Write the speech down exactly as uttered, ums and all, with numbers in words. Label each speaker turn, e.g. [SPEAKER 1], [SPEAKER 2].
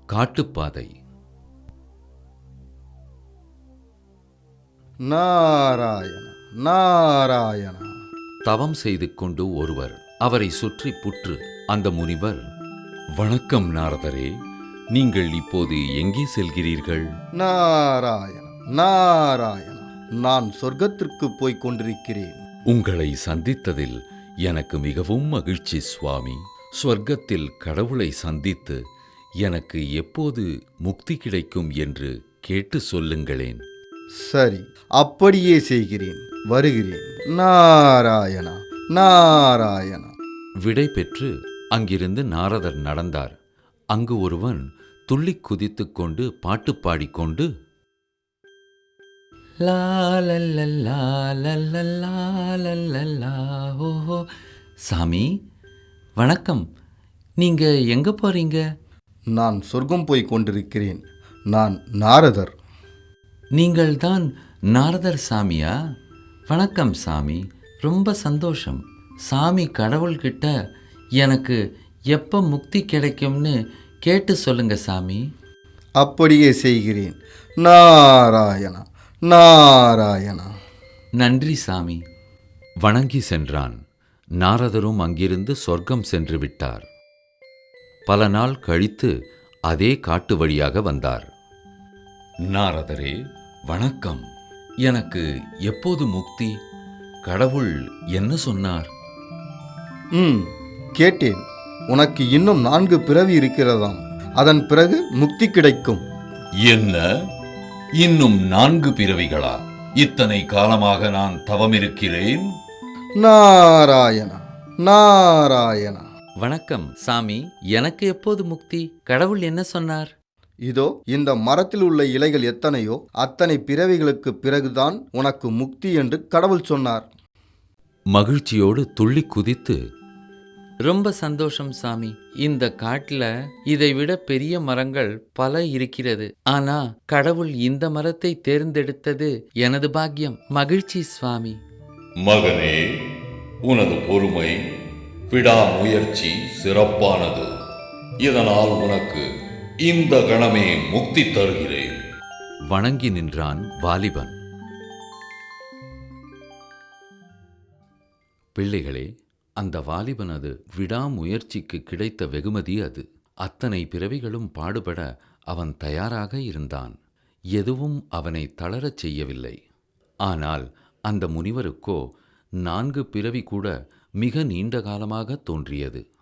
[SPEAKER 1] காட்டுப்பாதை.
[SPEAKER 2] நாராயண நாராயண.
[SPEAKER 1] தவம் செய்து கொண்டு ஒருவர், அவரை சுற்றி புற்று. அந்த முனிவர், வணக்கம் நாரதரே, நீங்கள் இப்போது எங்கே செல்கிறீர்கள்?
[SPEAKER 2] நாராயண நாராயண, நான் சொர்க்கத்திற்கு போய்க் கொண்டிருக்கிறேன்.
[SPEAKER 1] உங்களை சந்தித்ததில் எனக்கு மிகவும் மகிழ்ச்சி சுவாமி. சொர்க்கத்தில் கடவுளை சந்தித்து எனக்கு எப்போது முக்தி கிடைக்கும் என்று கேட்டு சொல்லுங்களேன்.
[SPEAKER 2] சரி, அப்படியே செய்கிறேன். வருகிறேன். நாராயண நாராயண.
[SPEAKER 1] விடை பெற்று அங்கிருந்து நாரதர் நடந்தார். அங்கு ஒருவன் துள்ளிக் குதித்துக் கொண்டு பாட்டு பாடிக்கொண்டு, லா லல்லல்லா லல்லல்லா லல்லல்லா. ஓஹோ, சாமி வணக்கம். நீங்க எங்க போறீங்க?
[SPEAKER 2] நான் சொர்க்கம் போய்க் கொண்டிருக்கிறேன். நான் நாரதர்.
[SPEAKER 1] நீங்கள் தான் நாரதர் சாமியா? வணக்கம் சாமி, ரொம்ப சந்தோஷம். சாமி கடவுள்கிட்ட எனக்கு எப்போ முக்தி கிடைக்கும்னு கேட்டு சொல்லுங்க சாமி.
[SPEAKER 2] அப்படியே செய்கிறேன். நாராயண நாராயண.
[SPEAKER 1] நன்றி சாமி. வணங்கி சென்றான். நாரதரும் அங்கிருந்து சொர்க்கம் சென்று விட்டார். பல நாள் கழித்து அதே காட்டு வழியாக வந்தார். நாரதரே வணக்கம். எனக்கு எப்போது முக்தி? கடவுள் என்ன சொன்னார்?
[SPEAKER 2] ம் கேட்டேன். உனக்கு இன்னும் நான்கு பிறவி இருக்கிறதாம். அதன் பிறகு முக்தி கிடைக்கும்.
[SPEAKER 1] என்ன, இன்னும் நான்கு பிறவிகளா? இத்தனை காலமாக நான் தவம் இருக்கிறேன்.
[SPEAKER 2] நாராயண நாராயண.
[SPEAKER 1] வணக்கம் சாமி, எனக்கு எப்போது முக்தி? கடவுள் என்ன சொன்னார்?
[SPEAKER 2] இதோ இந்த மரத்தில் உள்ள இலைகள் எத்தனையோ அத்தனை பிறவிகளுக்கு பிறகுதான் உனக்கு முக்தி என்று கடவுள் சொன்னார்.
[SPEAKER 1] மகிழ்ச்சியோடு துள்ளி குதித்து, ரொம்ப சந்தோஷம் சாமி. இந்த காட்டுல இதைவிட பெரிய மரங்கள் பல இருக்கிறது. ஆனா கடவுள் இந்த மரத்தை தேர்ந்தெடுத்தது எனது பாக்கியம். மகிழ்ச்சி சுவாமி.
[SPEAKER 3] மகனே, உனது பொறுமை, விடாமுயற்சி சிறப்பானது. இதனால் உனக்கு இந்த கணமே முக்தி தருகிறேன்.
[SPEAKER 1] வணங்கி நின்றான் வாலிபன். பிள்ளைகளே, அந்த வாலிபனது விடாமுயற்சிக்கு கிடைத்த வெகுமதி அது. அத்தனை பிறவிகளும் பாடுபட அவன் தயாராக இருந்தான். எதுவும் அவனை தளரச் செய்யவில்லை. ஆனால் அந்த முனிவருக்கோ நான்கு பிறவி கூட மிக நீண்ட காலமாக தோன்றியது.